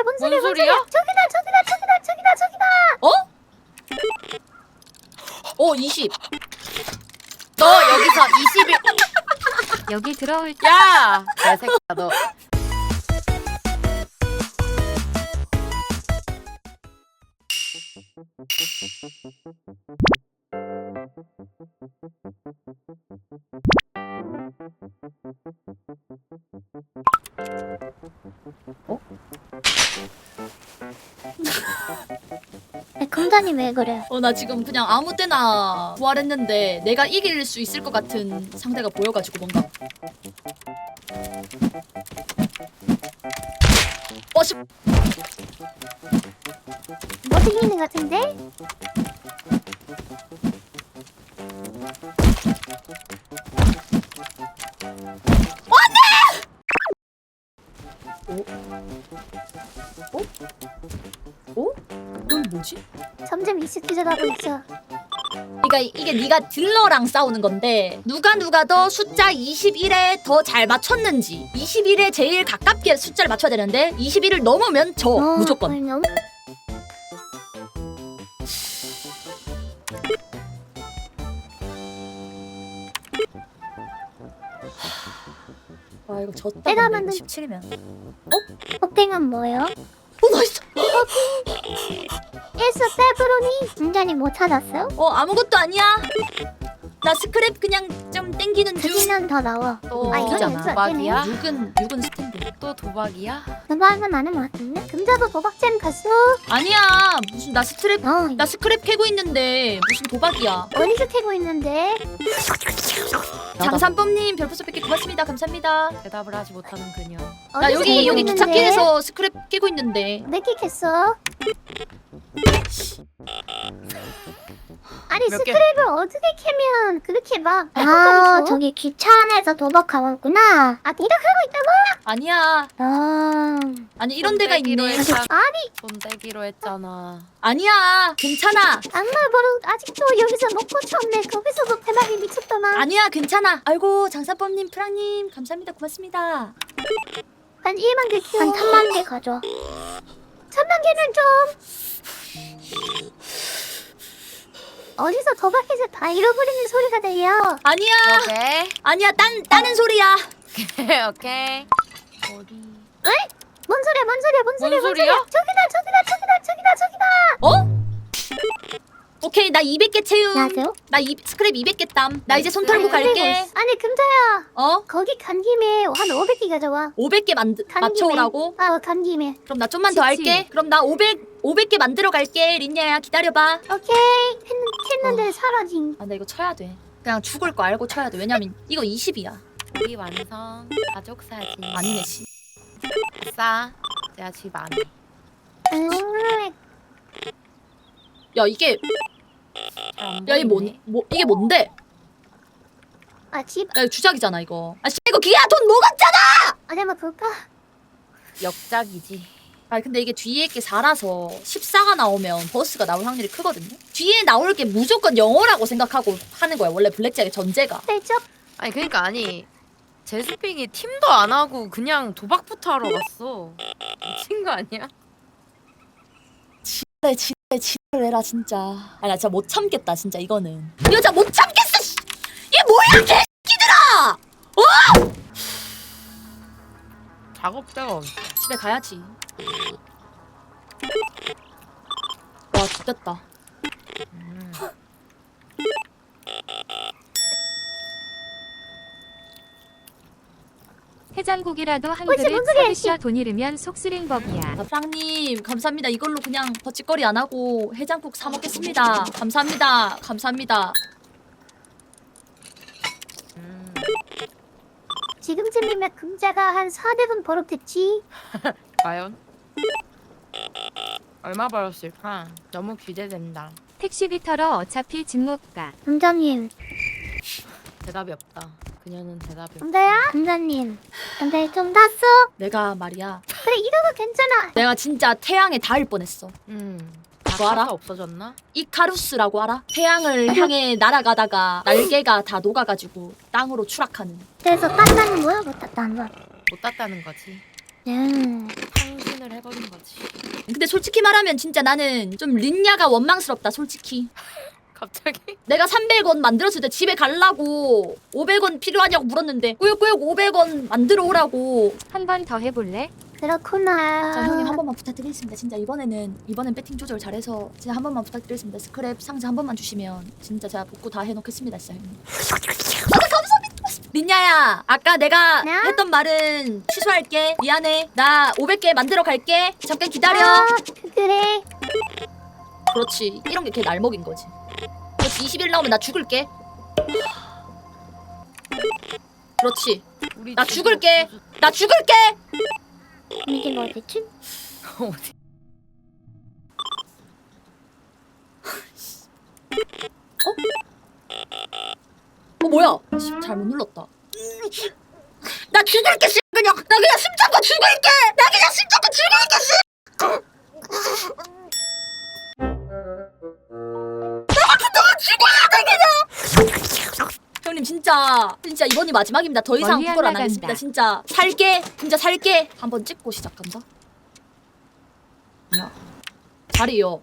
뭔 소리야? 저기다. 어? 20. 너 여기서 21. 여기 들어올 때 야! 개새끼야 너. 금자님 왜 그래? 나 지금 그냥 아무 때나 부활했는데 내가 이길 수 있을 것 같은 상대가 보여가지고 뭔가. 씨. 못 이기는 것 같은데? 이건 뭐지? 점점 익숙해져가고 있어. 그러니까 이게 네가 딜러랑 싸우는 건데 누가 더 숫자 21에 더 잘 맞췄는지 21에 제일 가깝게 숫자를 맞춰야 되는데 21을 넘으면 져 무조건. 너무... 아 이거 졌다. 내가 근데 만든- 17이면. 호핑은 뭐예요? 나이스. 예스 페브로니. 금자님 뭐 찾았어요? 아무것도 아니야. 나 스크랩 그냥 좀 땡기는 중. 두기는 더 나와. 또 아, 이건 웃기잖아. 연습 안 도박이야? 되네. 6은 스탠드. 또 도박이야? 도박은 아는 것 같은데? 금자도 도박잼 갔어? 아니야. 무슨 나 스크랩 캐고 있는데 무슨 도박이야. 어디서 캐고 있는데? 장산범님 별풍선 100개 고맙습니다. 감사합니다. 대답을 하지 못하는 그녀. 나 어디서 여기 캐고 있는데? 기찻길에서 스크랩 깨고 있는데. 몇개 캤어? 아니 몇 개? 스크랩을 어떻게 캐면 그렇게 막 아, 저기 기차 안에서 도박하고 있구나. 아 도박하고 있다고? 아니야. 아, 아니 이런 데가 돈 떼기로 있네. 했잖아. 아니 돈 떼기로 했잖아. 아니야. 괜찮아. 악마 버릇 아직도 여기서 먹고 쳤네. 거기서도 대박이 미쳤더만. 아니야. 괜찮아. 아이고 장산범님 프랑님 감사합니다. 고맙습니다. 한 1만 개 키워. 한 1000만 개 가져. 1000만 개는 좀 어디서 도박해서 다 잃어버리는 소리가 들려. 아니야. 오케이. 아니야. 따는 소리야. 오케이. 머리. 뭔 소리야? 뭔 소리야? 저기다. 어? 오케이 나 200개 채움. 안녕하세요. 나 스크랩 200개 땀. 나 이제 손 털고 갈게. 아니 금자야. 어? 거기 간 김에 한 500개 가져와. 500개 간 맞춰오라고? 김에. 간 김에. 그럼 나 좀만 더 할게. 그럼 나 500개 만들어 갈게. 린냐야 기다려봐. 오케이. 했는데 사라진. 아 나 이거 쳐야 돼. 그냥 죽을 거 알고 쳐야 돼. 왜냐면 이거 20이야. 우리 완성. 가족 사진. 아니네 씨. 아싸. 제가 집 안에. 야 이게 야 이게 이게 뭔데? 아 집. 야 이거 주작이잖아 이거. 아 씨 이거 기야 돈 먹었잖아. 어디 한번 볼까? 역작이지. 아 근데 이게 뒤에 게 4라서 14가 나오면 버스가 나올 확률이 크거든요. 뒤에 나올 게 무조건 영어라고 생각하고 하는 거야. 원래 블랙잭의 전제가. 살짝. 아니 그러니까 아니 제스핑이 팀도 안 하고 그냥 도박부터 하러 갔어. 미친 거 아니야? 지랄해라 진짜. 아 나 진짜 못 참겠다 진짜 이거는. 이거 진짜 못 참겠어. 씨. 이게 뭐야 개새끼들아. 작업자가 없어. 집에 가야지. 와 죽겠다. 해장국이라도 한 어이씨, 그릇 뭔 소리야, 서비스 돈 잃으면 속쓰린 법이야. 프랑님 감사합니다. 이걸로 그냥 버칫거리 안 하고 해장국 사 먹겠습니다. 감사합니다. 감사합니다. 지금쯤이면 금자가 한 4대분 버럭됐지. 과연? 얼마 벌었을까? 너무 기대된다. 택시비 털어 어차피 집 못 가. 금자님, 대답이 없다. 그녀는 대답이 없다. 금자야? 금자님. 금자님 좀 땄어? 내가 말이야. 그래 이러고 괜찮아. 내가 진짜 태양에 닿을 뻔했어. 다 알아? 가사 없어졌나? 이카루스라고 알아? 태양을 향해 날아가다가 날개가 다 녹아가지고 땅으로 추락하는. 그래서 땄다는 거야? 못 땄다는 거야? 못 땄다는 거지. 네. 상신을 해버린 거지. 근데 솔직히 말하면 진짜 나는 좀 린냐가 원망스럽다 솔직히. 갑자기? 내가 300원 만들었을 때 집에 갈라고 500원 필요하냐고 물었는데 꾸역꾸역 500원 만들어 오라고. 한 번 더 해볼래? 그렇구나. 자 형님 한 번만 부탁드리겠습니다. 진짜 이번엔 배팅 조절 잘해서 진짜 한 번만 부탁드리겠습니다. 스크랩 상자 한 번만 주시면 진짜 제가 복구 다 해놓겠습니다. 진짜 형님. 감사합니다. 린냐야 아까 내가 네? 했던 말은 취소할게. 미안해. 나 500개 만들어 갈게. 잠깐 기다려. 그래. 그렇지. 이런 게 걔 날먹인 거지. 그렇지. 20일 나오면 나 죽을게. 그렇지. 우리 나 집이 죽을게. 없어서- 나 죽을게. 이게 뭐지? 어디? 뭐야? 씨, 잘못 눌렀다. 나 죽을게 씨. 그냥 나 그냥 숨 참고 죽을게. 나 그냥 숨 참고 죽을게 씨. 나 죽어야 돼 그냥. 형님 진짜 이번이 마지막입니다. 더 이상 멀리 안 그걸 안 나간다. 하겠습니다. 진짜 살게. 진짜 살게. 한번 찍고 시작한다. 야 자리요.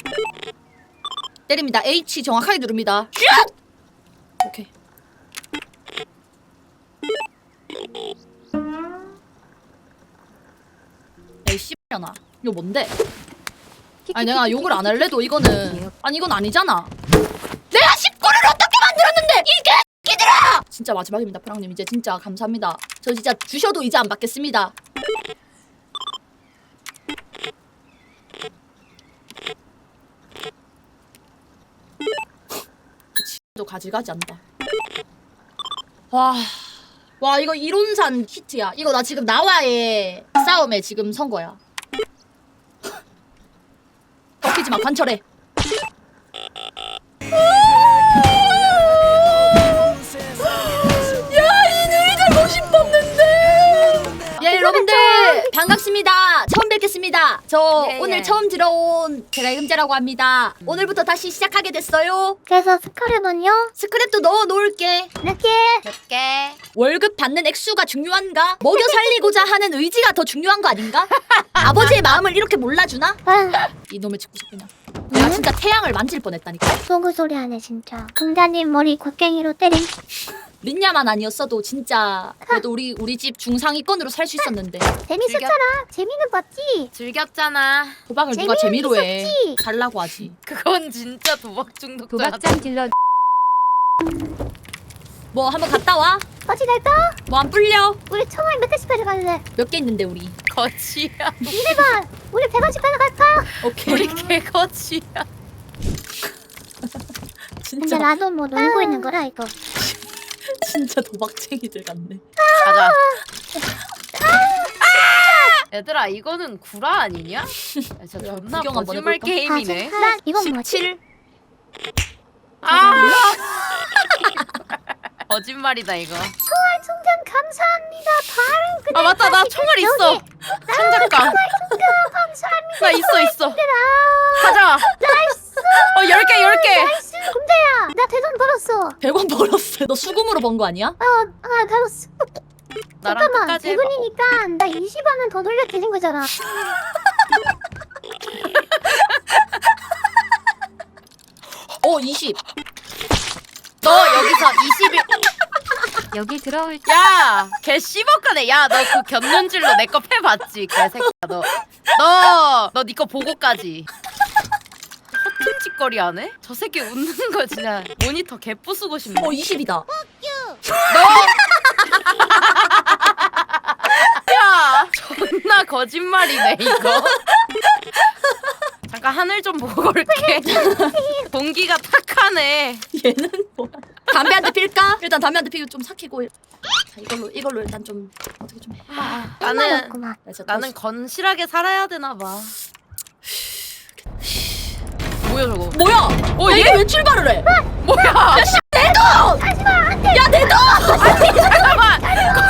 때립니다. H 정확하게 누릅니다. 슛! 오케이. 에이 씨발려나 이거 뭔데? 아니 내가 욕을 안 할래도 이거는 아니 이건 아니잖아. 내가 19를 어떻게 만들었는데 이게 끼들아! 진짜 마지막입니다 프랑님. 이제 진짜 감사합니다. 저 진짜 주셔도 이제 안 받겠습니다. 도 가지가지 한다. 와 이거 이론산 히트야. 이거 나 지금 나와의 싸움에 지금 선 거야. 꺾이지 마 관철해. 예 여러분들 반갑습니다. 처음 뵙겠습니다. 저 예, 오늘 예. 처음 들어온 제가 금자라고 합니다. 오늘부터 다시 시작하게 됐어요. 그래서 스크랩은요? 스크랩도 넣어 놓을게. 이렇게. 몇 개? 월급 받는 액수가 중요한가? 먹여 살리고자 하는 의지가 더 중요한 거 아닌가? 아버지의 마음을 이렇게 몰라주나? 아, 이놈의 짓고 싶구나. 내가 진짜 태양을 만질 뻔했다니까. 속을 소리 하네 진짜. 금자님 머리 곡괭이로 때림. 린냐만 아니었어도 진짜 그래도 우리 집 중상위권으로 살 수 있었는데 재밌었잖아. 재미는 봤지. 즐겼잖아. 도박을 누가 재미로 해. 있었지. 달라고 하지. 그건 진짜 도박 중독자야. 도박장 딜러 뭐 한번 갔다 와? 어디 갈까? 뭐 안 불려? 우리 천원에 몇 개씩 가져갈래? 몇 개 있는데 우리. 거지야. 이래봐. 우리 100원씩 가져갈까? 오케이. 우리 개거지야. 근데 진짜 나도 뭐 놀고 있는 거라 이거. 진짜 도박쟁이들 같네. 가자. 얘들아 이거는 구라 아니냐? 야, 진짜 야, 존나 구경 한번 거짓말 해볼까? 게임이네. 나 이건 뭐지? 17. 아! 거짓말이다 이거. 총알 충전 감사합니다. 바로 그냥 아 맞다 나 총알 있어. 창작감. 감사합니다. 나 있어. 가자. 나이스. 10개 10개. 나이스. 금자야. 나 대돈 벌었어. 100원 벌었어. 너 수금으로 번 거 아니야? 벌었어. 나랑 잠깐만. 끝까지 해봐. 100원이니까 나 20원은 더 돌려 드린 거잖아. 20. 너 여기서 21. 여기 들어올 야, 걔 씹어가네. 야, 너 그 견눈질로 내 거 패봤지, 개새끼야. 너 니 거 보고까지. 허튼짓거리 하네? 저 새끼 웃는 거 진짜 모니터 개 부수고 싶네. 20이다. 야, 존나 거짓말이네 이거. 잠깐 하늘 좀 보고 올게. 동기가 탁하네. 얘는 뭐야? 담배 한 대 필까? 일단 담배 한 대 피고 좀 삭히고. 자 이걸로 일단 좀 어떻게 좀 해. 나는 없구만. 나는 건실하게 살아야 되나 봐. 뭐야 저거? 뭐야? 어, 얘 얘? 왜 출발을 해? 뭐야? 야 씨, 내 돈! 야 내 돈! 잠깐만.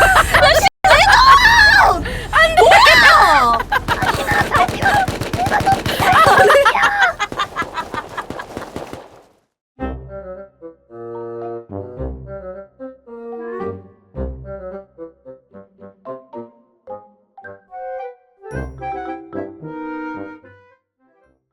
뭐야?